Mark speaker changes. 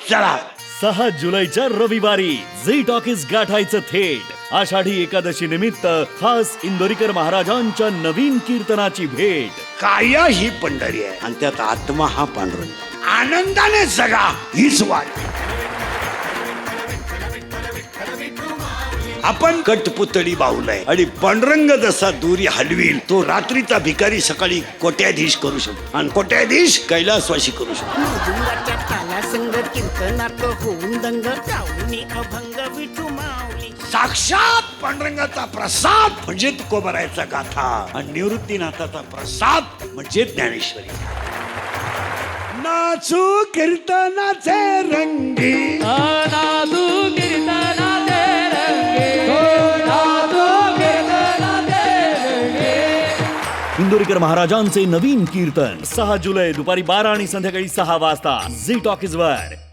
Speaker 1: चला
Speaker 2: 6 जुलैच्या रविवारी झी टॉकीज गाठायचं थेट आषाढी एकादशी निमित्त खास इंदोरीकर महाराजांच्या नवीन कीर्तनाची भेट.
Speaker 1: काया ही पंढरी आहे आणि त्यात आत्मा हा पांडुरंग. आनंदाने जगा हीच वाट. आपण कटपुतळी बाहुलाय आणि पांडुरंग जसा दुरी हलवील तो रात्रीचा भिकारी सकाळी कोट्याधीश करू शकतो आणि कोट्याधीश कैलासवासी करू शकतो.
Speaker 3: मृदुंगाच्या तालासंग कीर्तनात होऊन दंग गाऊनी अभंग विठू माऊली.
Speaker 1: साक्षात पांडुरंगाचा प्रसाद म्हणजे तुकोबरायचा गाथा आणि निवृत्तीनाथाचा प्रसाद म्हणजे ज्ञानेश्वरी. नाचू कीर्तनाचे रंगी
Speaker 2: इंदोरीकर महाराजांचे नवीन कीर्तन 6 जुलै दुपारी 12 आणि संध्याकाळी 6 वाजता झी टॉकीज वर.